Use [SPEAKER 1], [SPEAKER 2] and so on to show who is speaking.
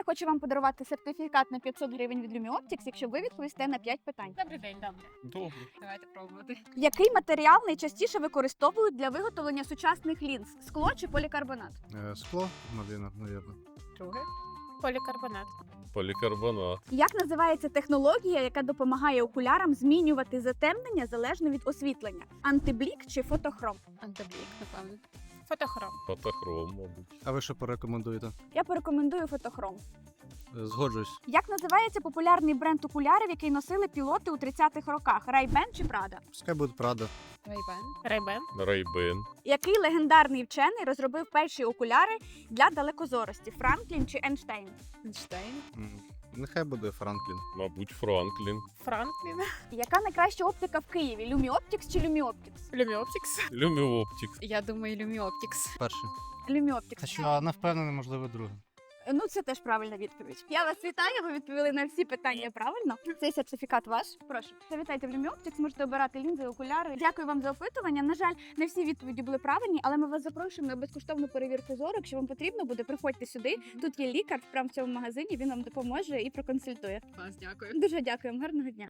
[SPEAKER 1] Я хочу вам подарувати сертифікат на 500 гривень від LumiOptics, якщо ви відповісте на 5 питань.
[SPEAKER 2] Добрий день, добре.
[SPEAKER 3] Добре.
[SPEAKER 2] Давайте пробувати.
[SPEAKER 1] Який матеріал найчастіше використовують для виготовлення сучасних лінз? Скло чи полікарбонат?
[SPEAKER 3] Скло, навірно.
[SPEAKER 2] Друге. Полікарбонат.
[SPEAKER 3] Полікарбонат.
[SPEAKER 1] Як називається технологія, яка допомагає окулярам змінювати затемнення залежно від освітлення? Антиблік чи фотохром?
[SPEAKER 2] Антиблік, напевно. Фотохром.
[SPEAKER 3] Фотохром, мабуть.
[SPEAKER 4] А ви що порекомендуєте?
[SPEAKER 1] Я порекомендую фотохром.
[SPEAKER 4] Згоджуюсь.
[SPEAKER 1] Як називається популярний бренд окулярів, який носили пілоти у 30-х роках? Ray-Ban чи Prada?
[SPEAKER 4] Пускай буде Прада.
[SPEAKER 2] Рейбен. Рейбен.
[SPEAKER 3] Рейбен.
[SPEAKER 1] Який легендарний вчений розробив перші окуляри для далекозорості? Франклін чи Ейнштейн?
[SPEAKER 2] Ейнштейн.
[SPEAKER 4] Нехай буде Франклін.
[SPEAKER 3] Мабуть, Франклін.
[SPEAKER 2] Франклін.
[SPEAKER 1] Яка найкраща оптика в Києві? LumiOptics чи LumiOptics?
[SPEAKER 2] Люміоптікс.
[SPEAKER 3] Люміоптикс.
[SPEAKER 2] Я думаю, Люміоптікс.
[SPEAKER 4] Перший.
[SPEAKER 1] LumiOptics.
[SPEAKER 4] Хоча не впевнений, можливо, другий.
[SPEAKER 1] Ну, це теж правильна відповідь. Я вас вітаю, ви відповіли на всі питання правильно. Цей сертифікат ваш. Прошу. Завітайте в LumiOptics, можете обирати лінзи, окуляри. Дякую вам за опитування. На жаль, не всі відповіді були правильні, але ми вас запрошуємо на безкоштовну перевірку зору. Якщо вам потрібно буде, приходьте сюди. Тут є лікар прямо в цьому магазині, він вам допоможе і проконсультує.
[SPEAKER 2] Вас дякую.
[SPEAKER 1] Дуже дякуємо, гарного дня.